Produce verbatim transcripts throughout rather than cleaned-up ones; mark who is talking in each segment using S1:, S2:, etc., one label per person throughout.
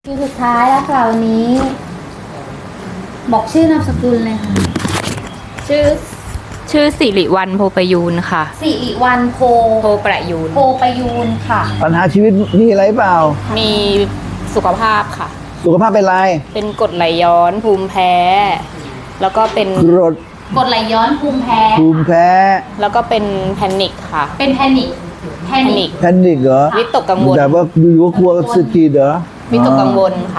S1: คิวสุดท้ายแล้วค่ะวันนี้ บอกชื่อนามสกุลเลยค่ะ
S2: ชื่อชื่อสิริวัลย์โพประยูนค่ะ
S1: สิริวัลย์โพ
S2: โพประยูน
S1: โพประยูนค่ะ
S3: ปัญหาชีวิตมีอะไรเปล่า
S2: มีสุขภาพค่ะ
S3: สุขภาพเป็นไร
S2: เป็นกรดไหลย้อนภูมิแพ้ แล้วก็เป็น
S3: กรด
S1: กดไหลย้อนภูมิแพ้
S3: ภูมิแพ้
S2: แล้วก็เป็นแพนิคค่ะ
S1: เป็นแพนิคแพ
S2: แพ
S1: นิ
S2: นิ
S1: ค
S2: ค
S3: แพนิคเหรอ
S2: วิตกกังวล
S3: แต่ว่าอยู่ว่ากลัวสะกีดเหรอ
S2: วิตกกังวลค่ะ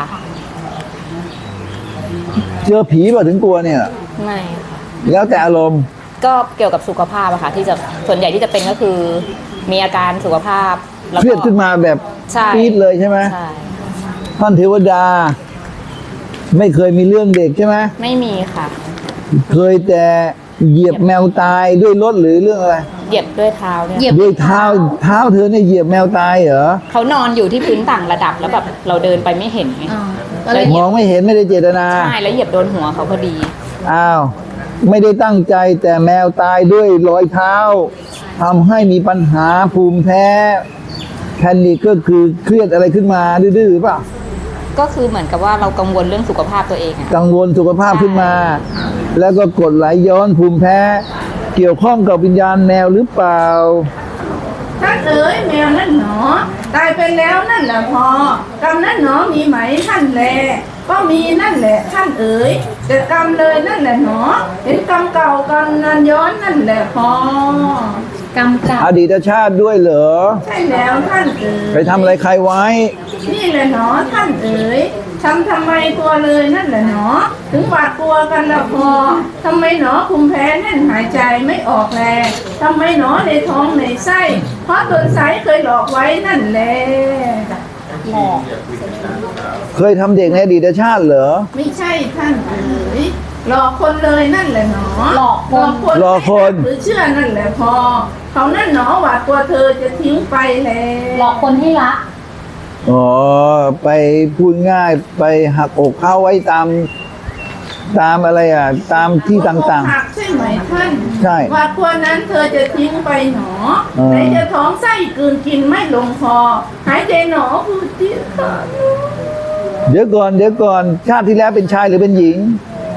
S3: เจอผีเปล่าถึงกลัวเนี่ย
S2: ไม่ค่ะ
S3: แล้วแต่อารมณ์
S2: ก็เกี่ยวกับสุขภาพอะค่ะ ที่จะส่วนใหญ่ที่จะเป็นก็คือ มีอาการสุขภาพแล้ว
S3: เครี
S2: ก็
S3: ยดขึ้นมาแบบ
S2: ใช่
S3: ปี๊ดเลยใช่ไหม
S2: ใช่
S3: ท่านเทวดา ไม่เคยมีเรื่องเด็กใช่ไหม
S2: ไม่มีค่ะ
S3: เคยแต่เหยียบแมวตายด้วยรถหรือเรื่องอะไร
S2: เหยียบด้วยเท้าเนี่ย
S1: เหยียบ
S3: ด้วยเท้าเท้าเธอเนี่ยเหยียบแมวตายเหรอ
S2: เขานอนอยู่ที่พื้นต่างระดับแล้วแบบเราเดินไปไม่เห็นไง
S1: อ่าก็เลย
S3: มองไม่เห็นไม่ได้เจตนา
S2: ใช่แล้วเหยียบโดนหัวเขาพอดี
S3: อ้าว ไม่ได้ตั้งใจแต่แมวตายด้วยรอยเท้าทำให้มีปัญหาภูมิแพ้แพนิคก็คือเครียดอะไรขึ้นมาดื้อๆเปล่ะ
S2: ก็คือเหมือนกับว่าเรากังวลเรื่องสุขภาพตัวเองอะ
S3: กังวลสุขภาพขึ้นมา แล้วก็กดไหลย้อนภูมิแพ้ เกี่ยวข้องกับวิญญาณแมวหรือเปล่า
S4: ท่านเอ๋ยแมวนั่นหนอตายไปแล้วนั่นแหละพอกรรมนั่นหนอมีไหมท่านแลก็มีนั่นแหละท่านเอ๋ยแต่กรรมเลยนั่นแหละหนอเห็นกรรมเก่ากรรมนันย้อนนั่นแหละพอก
S1: รรมเก่า
S3: อดีตชาติด้วยเหรอ
S4: ใช่แล้วท่านเอ๋ย
S3: ไปทำอะไรใครไว้
S4: นี่แหละหนอท่านเอ๋ยทำทำไมตัวเลยนั่นแหละหนอถึงหวาดกลัวกันละพอทำไมหนอภูมิแพ้แน่นหายใจไม่ออกแลทำไมหนอในท้องในไส้เพราะตนไซเคยหลอกไว้นั่นแหละ
S1: หลอก
S3: เคยทำเด็กในอดีตชาติเหรอ
S4: ไม่ใช่ท่านเอ๋ยหลอกคนเลยนั่นแหละหนอ
S1: หลอกคน
S3: หลอกคน
S4: หรือเชื่อนั่นแหละพอ เขานั่นหนอหวาดกลัวเธอจะทิ้งไปแล้ว
S1: หลอกคนให้รัก
S3: อ๋อ ไปพูดง่ายไปหักอกเข้าไว้ตาม ตามอะไรอ่ะ ตามที่ต่าง
S4: หักใช่ไหมท่าน
S3: ใช่
S4: หวาดกลัวนั้นเธอจะทิ้งไปหนอ
S3: เออ
S4: ไหนจะท้องไส้กลืนกินไม่ลงคอหายใจหนอพูดที่ขาด
S3: ๆ เดี๋ยวก่อน เดี๋ยวก่อน ชาติที่แล้วเป็นชายหรือเป็นหญิง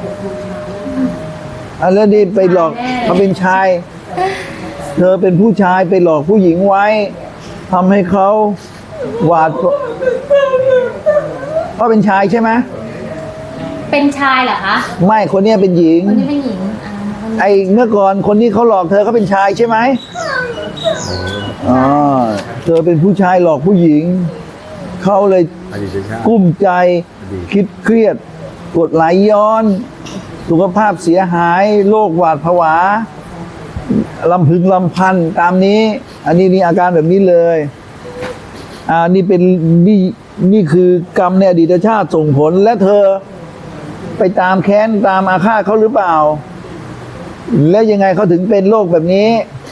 S3: อันแล้วนี่ไปหลอกเขาเป็นชาย เธอเป็นผู้ชายไปหลอกผู้หญิงไว้ทำให้เขาหวาดเพราะเป็นชายใช่ไหม
S1: เป็นชายเหรอคะ
S3: ไม่คนเนี้ยเป็นหญิง
S1: คนนี้เป็นหญิงอ่า
S3: ไอ้เมื่อก่อนคนที่เขาหลอกเธอเขาเป็นชายใช่ไหมอ๋อเธอเป็นผู้ชายหลอกผู้หญิง เขาเลยกุ้มใจคิดเครียดกดไหลย้อน สุขภาพเสียหายโรคหวาดผวาลำพึงลำพันตามนี้ อันนี้นี่อาการแบบนี้เลยอ่านี่เป็นนี่นี่คือกรรมในอดีตชาติส่งผลและเธอไปตามแค้นตามอาฆาตเขาหรือเปล่า แล้วยังไงเขาถึงเป็นโรคแบบนี้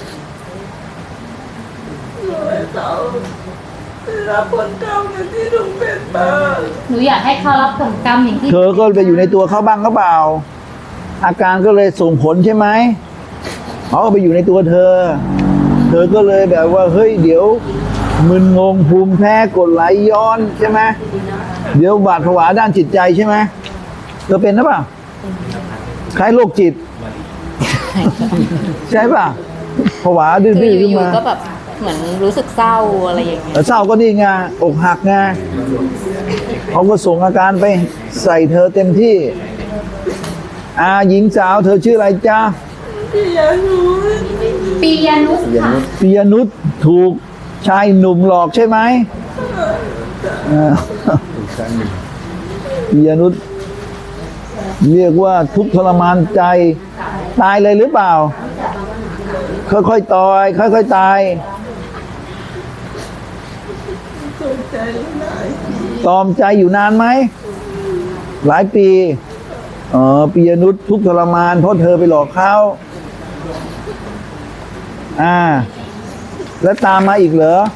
S4: รับผลกรรมที่ลุงเป็นมา
S1: หนูอยากให้เขารับผลกรรมอย่างที่
S3: เธอก็ไปอยู่ในตัวเขาบ้างหรือเปล่า อาการก็เลยส่งผลใช่ไหมเขาก็ไปอยู่ในตัวเธอ เธอก็เลยแบบว่าเฮ้ยเดี๋ยวมึนงงภูมิแพ้กดไหลย้อนใช่ไหมเดี๋ยวบาดผวาด้านจิตใจใช่ไหมเธอเป็นหรือเปล่าคล้ายโรคจิต ใช่ป่ะผวาดื้
S2: คือ
S3: อๆขึ้น
S2: อยู่
S3: มา
S2: ๆก็แบบเหมือนรู้สึกเศร้าอะไรอย่างเงี้ย
S3: แต่เศร้าก็นี่ไงอกหักไงเขาก็ส่งอาการไปใส่เธอเต็มที่อาหญิงสาวเธอชื่ออะไรจ๊ะ
S1: ปียนุสค่ะ
S3: ปิยนุชถูกชายหนุ่มหลอกใช่ไหมเออปิยนุชเรียกว่าทุกข์ทรมานใจ ตายเลยหรือเปล่า ค่อยๆตายค่อยๆตายตอมใจอยู่นานไหม หลายปีอ๋อปิยนุชทุกข์ทรมานเพราะเธอไปหลอกเขาอ่า แล้วตามมาอีกเหรอ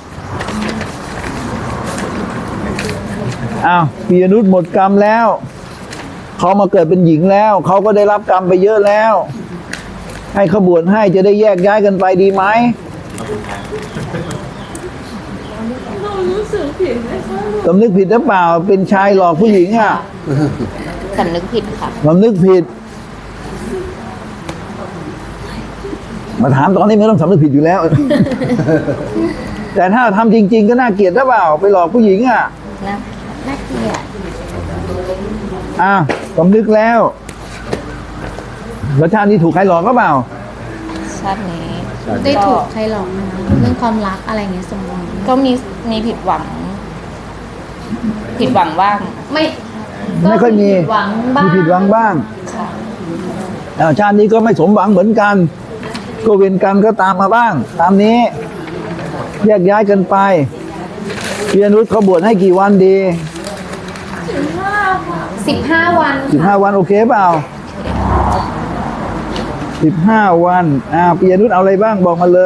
S3: อ้าวปิยนุชหมดกรรมแล้วเขามาเกิดเป็นหญิงแล้วเขาก็ได้รับกรรมไปเยอะแล้ว ให้เขาบวชให้จะได้แยกย้ายกันไปดีไหม
S4: รู้สึกผิดไหมคะ
S3: สำนึกผิดหรือเปล่าเป็นชายหลอกผู้หญิงอ่ะ
S2: สำนึกผิดค่ะ
S3: สำนึกผิด มาถามตอนนี้ไม่ต้องสำนึกผิดอยู่แล้ว แต่ถ้าทำจริง ๆ ก็น่าเกลียดหรือเปล่าไปหลอกผู้หญิงอ่ะ
S2: นะน่าเกลียด
S3: อ่ะสำนึกแล้วแล้วชาตินี้ถูกใครหลอกก็เปล่า
S2: ชาตินี้
S1: ได้ถูกใครหลอกนะคะเรื่องความรักอะไรเงี้ยสมมติ
S2: ก็มีมีผิดหวัง ผิดหวังบ้าง
S1: ไม่
S3: ไม่ค่อยมี
S1: ผิดหวังบ้าง
S3: มีผิดหวังบ้าง
S2: ค่ะ
S3: อ่าชาตินี้ก็ไม่สมหวังเหมือนกัน ก็เวรกรรมก็ตามมาบ้าง ตามนี้ แยกย้ายกันไปเพียรนุชเขาบวชให้กี่วันดี
S1: สิบห้าวัน
S3: สิบห้าวันโอเคเปล่าสิบห้าวันอ่าเปียนุชเอาอะไรบ้างบอกมาเลย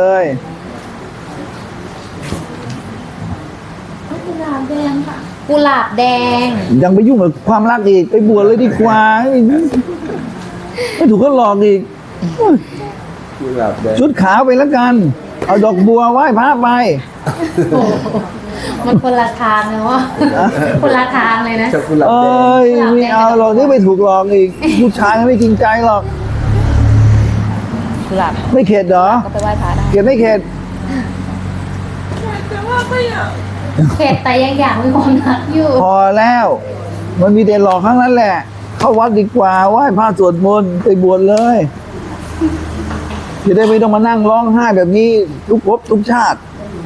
S1: กุหลาบแดงค่ะกุหลาบแดง
S3: ยังไปยุ่งกับความรักอีกไปบวชเลยดีกว่าไม่ถูกเขาหลอกอีกชุดขาวไปแล้วกัน เอาดอกบัวไหว้พระไป
S1: มันคนละทางนะวะคนละทางเลยนะ
S3: เอ้ยไม่เอาหรอกนี่ไม่ถูกหลอกอีกผู้ชายไม่จริงใจหรอก
S2: กุหลาบ
S3: ไม่เข็ดเหรอ
S2: ก็ไปไหว้พระได้
S3: เข็ดไม่เข็ด
S4: แต่ว่าก็อยาก
S1: เข็ดแต่ยังอยากมีความรักอยู่
S3: พอแล้ว มันมีแต่หลอกครั้งนั้นแหละ เข้าวัดดีกว่าไหว้พระสวดมนต์ไปบวชเลยจะได้ไม่ต้องมานั่งร้องไห้แบบนี้ ทุกภพทุกชาติ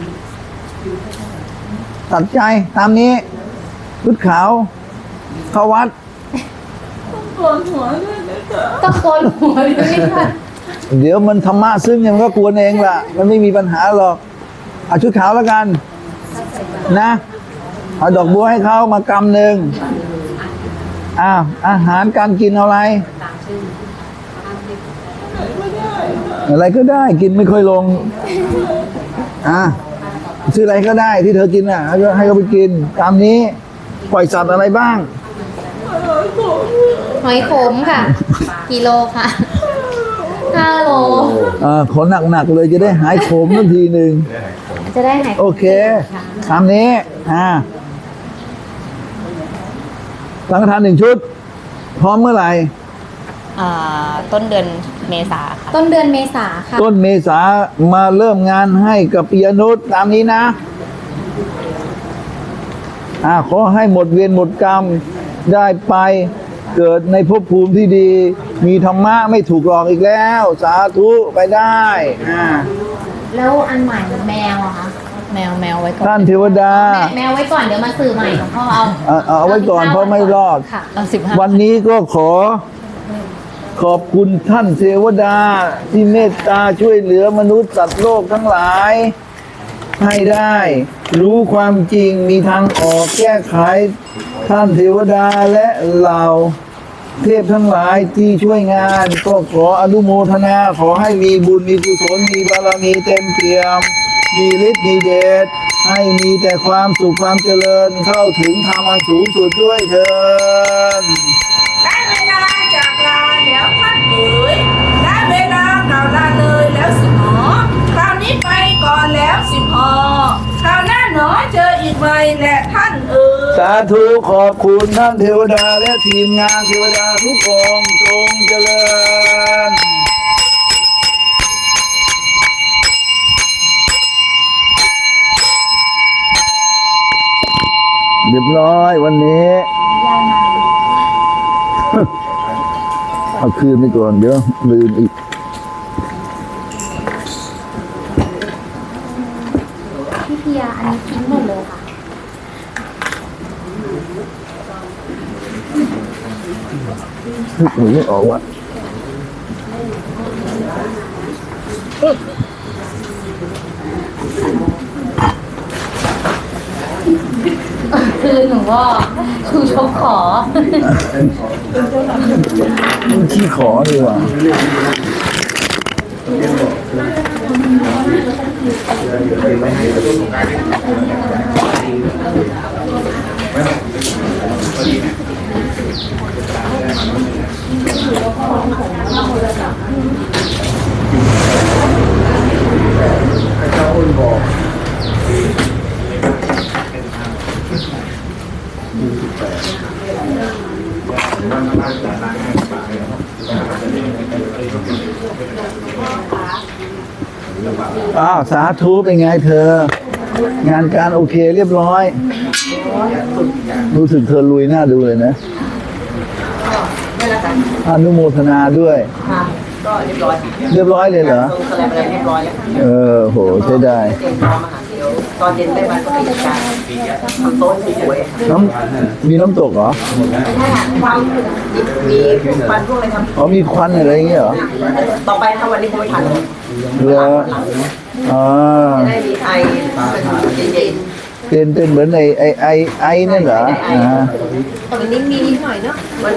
S3: ตัดใจตามนี้ชุดขาว เข้าวัด
S4: ปวดหัวด้วยนะคะ
S1: ต้องโกนหัวด้วยค่ะ
S3: เดี๋ยวมันธรรมะซึ่งเนี่ยมันก็กวนเองล่ะ มันไม่มีปัญหาหรอกเอาชุดขาวแล้วกัน นะเอาดอกบัวให้เขามากำหนึ่งอ้าวอาหารการกินเอาอะไร อะไรก็ได้กินไม่ค่อยลง อ่ะซื้ออะไรก็ได้ที่เธอกินอ่ะให้ให้เขาไปกิน ตามนี้ปล่อยสัตว์อะไรบ้าง
S1: หอยขมค่ะกิโลค่ะห้าโล
S3: อ่าขอหนักๆเลยจะได้หายขมทันทีหนึ่ง
S1: จะได้หาย
S3: โอเคตามนี้ อ่าสังฆทานหนึ่งชุด พร้อมเมื่อไหร่
S2: อ่าต้นเดือนเมษาค่ะ
S1: ต้นเดือนเมษาค่ะ
S3: ต้นเมษามาเริ่มงานให้กับปิยนุชตามนี้นะ อ่าขอให้หมดเวรหมดกรรมได้ไปเกิดในภพภูมิที่ดี มีธรรมะไม่ถูกหลอกอีกแล้ว สาธุไปได้อ่า
S1: แล้วอันใหม่แมวอะคะ
S2: แมวแมวไว้ก่อน
S3: ท่านเทวดา
S1: แมวแมวไว้ก่อนเดี๋ยวมาสื่อใหม่หลวงพ่อเอา
S3: เอาเอาเอาไว้ก่อนเพราะไม่รอด
S1: ค่ะ
S2: เอาสิบห้า
S3: วันนี้ก็ขอขอบคุณท่านเทวดาที่เมตตาช่วยเหลือมนุษย์สัตว์โลกทั้งหลาย ให้ได้ รู้ความจริงมีทางออกแก้ไข ท่านเทวดาและเหล่าเทพทั้งหลายที่ช่วยงาน ก็ขออนุโมทนาขอให้มีบุญมีกุศลมีบารมีเต็มเปี่ยม มีฤทธิ์มีเดชให้มีแต่ความสุขความเจริญเข้าถึงธรรมอันสูงสุดด้วยเถิด
S4: ได้เวลาจากลาแล้วท่านเอ๋ยได้เวลากล่าวลาเลยแล้วสิหนอคราวนี้ไปก่อนแล้วสิพอคราวหน้าหนอเจออีกไหมแหละท่านเอ๋ย
S3: สาธุขอบคุณท่านเทวดาและทีมงานเทวดาทุกองค์จงเจริญเรียบร้อยวันนี้ เอาคืนไปก่อนเดี๋ยวลืมอีก
S1: พี่เพียอันนี้ทิ้งหมดเลยค่ะ
S3: นึกไม่ออกว่า
S1: คือหนูว่าคือชกขอ
S3: ขี้ขอดีกว่าอ้าวสาธุเป็นไงเธอ งานการโอเคเรียบร้อย รู้สึกเธอลุยหน้าดูเลยนะอนุโมทนาด้วย
S2: ค่ะก็เรียบร้อย
S3: เรียบร้อยเลยเหรอ
S2: ลงแสลมอะไรเรียบร้อยแล้ว
S3: เออโหใช้ได้
S2: เตรียมพร้อมอาหารเดี๋ยวตอนเย็นได้มาก็กิจการทำโต๊ะสวยๆ
S3: น้ำมีน้ำตกเหรอ
S2: ถ้าความมีควันพวกอะไรครับ
S3: อ๋อมีควันอะไรอย่างเงี้ยเหรอ
S2: ต่อไปถ้าวันนี้คงไม่ทัน
S3: เหรออ่า
S2: จะได้มีไอเย็น
S3: เป็นเป็นเหมือนไอไอไอไอนั่นเหรออ่า
S2: ๆตอนนี้มีนิดหน่อยเนาะมัน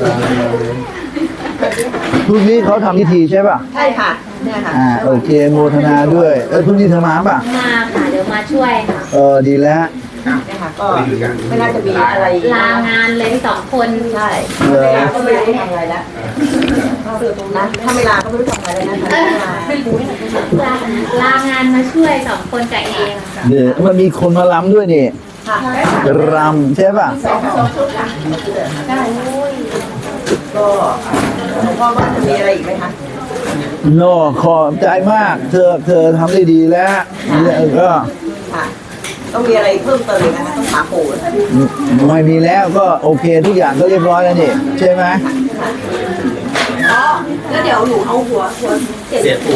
S3: พรุ่งนี้เขาทำพิธีใช่ป่ะ
S2: ใช่ค่ะเนี่ยค่ะ
S3: อ่าโอเคโมทนาด้วยเออพรุ่งนี้เธอมาป่ะ
S1: มาค่ะเดี๋ยวมาช่วยค่ะ
S3: เออดีแล้ว
S2: เนี่ยค่ะก็ไม่น่าจะมีอะไร
S1: ลางานเลยสองคน
S2: ใช่
S3: เออ
S2: ก็ไม่รู้ทำอะไรแล้วนะถ้าไม่ลาก็ไม่รู้ทำอะไรแล้วนะคะไม่รู้
S1: ลาลางานมาช่วยสองคนกับเองค่ะ
S3: เดี๋ยวมันมีคนมาล้ำด้วยนี่
S2: ค่ะ
S3: รำใช่ป่ะ
S4: สองสองชุดค่ะ
S2: ก็หลวงพ่อว่าจะมีอะไรอีกไหมคะ
S3: โน่ขอบใจมาก เธอเธอทำได้ดีแล้วแล้วก็
S2: ค่ะต้องมีอะไรเพิ่มเติมอีกไหมคะต้องถามปู่
S3: ไม่มีแล้วก็โอเคทุกอย่างก็เรียบร้อยแล้วนี่ใช่ไหม
S2: แล้วเดี๋ยวหนูเอาหัวหัวเสียบ